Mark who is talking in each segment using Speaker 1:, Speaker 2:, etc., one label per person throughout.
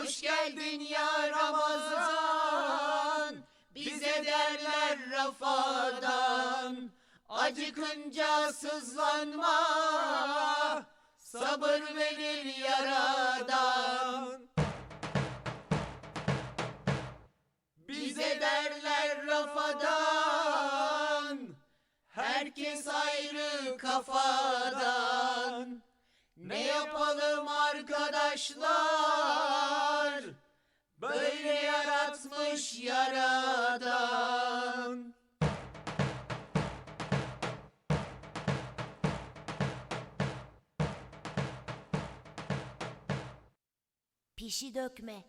Speaker 1: Hoş geldin ya Ramazan, bize derler Rafadan. Acıkınca sızlanma, sabır verir yaradan. Bize derler Rafadan, herkes ayrı kafadan. Ne yapalım arkadaşlar, böyle yaratmış yaradan.
Speaker 2: Pişi dökme.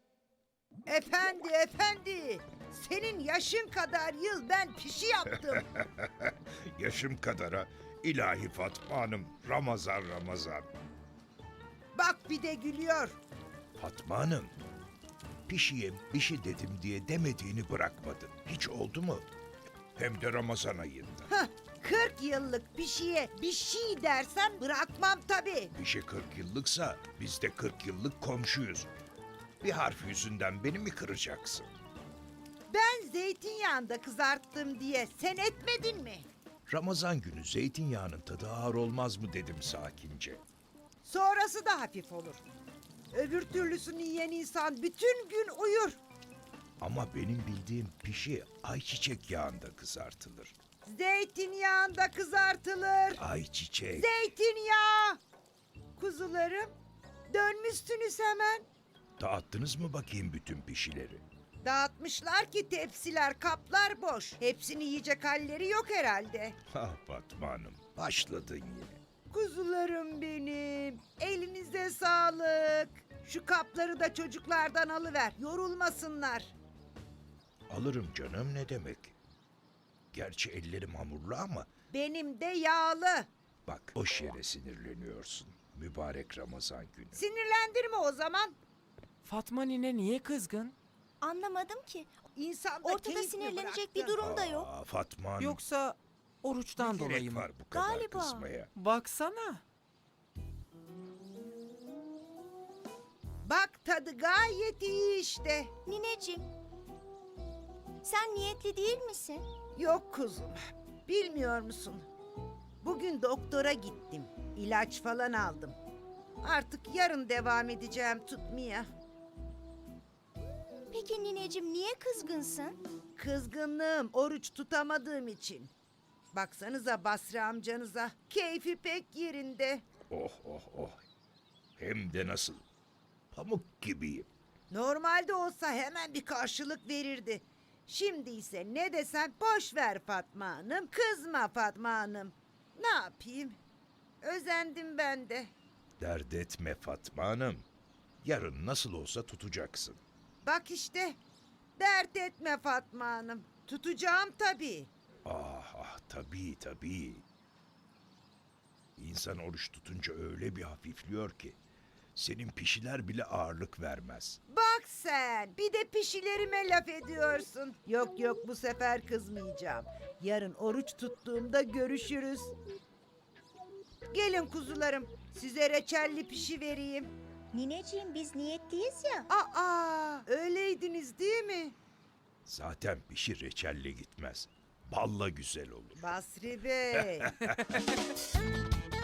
Speaker 3: Efendi, senin yaşın kadar yıl ben pişi yaptım.
Speaker 4: Yaşım kadara ilahi Fatma Hanım Ramazan.
Speaker 3: Bak bir de gülüyor.
Speaker 4: Fatma Hanım, pişiye bir şey dedim diye demediğini bırakmadın. Hiç oldu mu? Hem de Ramazan ayında.
Speaker 3: Hah, 40 yıllık pişiye bir şey dersen bırakmam tabii.
Speaker 4: Bir şey 40 yıllıksa biz de 40 yıllık komşuyuz. Bir harf yüzünden beni mi kıracaksın?
Speaker 3: Ben zeytinyağında kızarttım diye sen etmedin mi?
Speaker 4: Ramazan günü zeytinyağının tadı ağır olmaz mı dedim sakince.
Speaker 3: Sonrası da hafif olur. Öbür türlüsünü yiyen insan bütün gün uyur.
Speaker 4: Ama benim bildiğim pişi ayçiçek yağında kızartılır.
Speaker 3: Zeytinyağında kızartılır.
Speaker 4: Ayçiçek.
Speaker 3: Zeytinyağı. Kuzularım, dönmüşsünüz hemen.
Speaker 4: Dağıttınız mı bakayım bütün pişileri?
Speaker 3: Dağıtmışlar ki tepsiler, kaplar boş. Hepsini yiyecek halleri yok herhalde.
Speaker 4: Ha Fatma Hanım, başladın yine.
Speaker 3: Kuzularım benim. Elinize sağlık. Şu kapları da çocuklardan alıver. Yorulmasınlar.
Speaker 4: Alırım canım ne demek. Gerçi ellerim hamurlu ama
Speaker 3: Benim de yağlı.
Speaker 4: bak boş yere sinirleniyorsun. Mübarek Ramazan günü.
Speaker 3: Sinirlendirme o zaman.
Speaker 5: Fatma nine niye kızgın?
Speaker 2: Anlamadım ki.
Speaker 3: İnsanda
Speaker 2: Ortada
Speaker 3: keyif mi
Speaker 2: sinirlenecek
Speaker 3: bıraktı?
Speaker 2: bir durum da yok.
Speaker 4: Aa, Fatma Hanım,
Speaker 5: Yoksa oruçtan
Speaker 4: ne
Speaker 5: dolayı
Speaker 4: gerek
Speaker 5: mı?
Speaker 4: var bu kadar
Speaker 2: Galiba.
Speaker 4: kızmaya?
Speaker 5: Baksana.
Speaker 3: Bak tadı gayet iyi işte.
Speaker 2: Nineciğim, sen niyetli değil misin?
Speaker 3: Yok kuzum. Bilmiyor musun? Bugün doktora gittim. İlaç falan aldım. Artık yarın devam edeceğim tutmaya.
Speaker 2: Peki nineciğim niye kızgınsın?
Speaker 3: Kızgınlığım oruç tutamadığım için. Baksanıza Basri amcanıza. Keyfi pek yerinde.
Speaker 4: Oh. Hem de nasıl? Pamuk gibiyim.
Speaker 3: Normalde olsa hemen bir karşılık verirdi. Şimdi ise ne desem boş ver Fatma Hanım. Kızma Fatma Hanım. Ne yapayım? Özendim ben de.
Speaker 4: Dert etme Fatma Hanım. Yarın nasıl olsa tutacaksın.
Speaker 3: Bak işte. Dert etme Fatma Hanım. Tutacağım tabii.
Speaker 4: Ah tabii. İnsan oruç tutunca öyle bir hafifliyor ki. Senin pişiler bile ağırlık vermez.
Speaker 3: Bak sen. Bir de pişilerime laf ediyorsun. Yok bu sefer kızmayacağım. Yarın oruç tuttuğumda görüşürüz. Gelin kuzularım. Size reçelli pişi vereyim.
Speaker 2: Nineciğim biz niyetliyiz ya.
Speaker 3: Aa, öyleydiniz değil mi?
Speaker 4: Zaten pişi reçelle gitmez. Balla güzel olur.
Speaker 3: Basri Bey.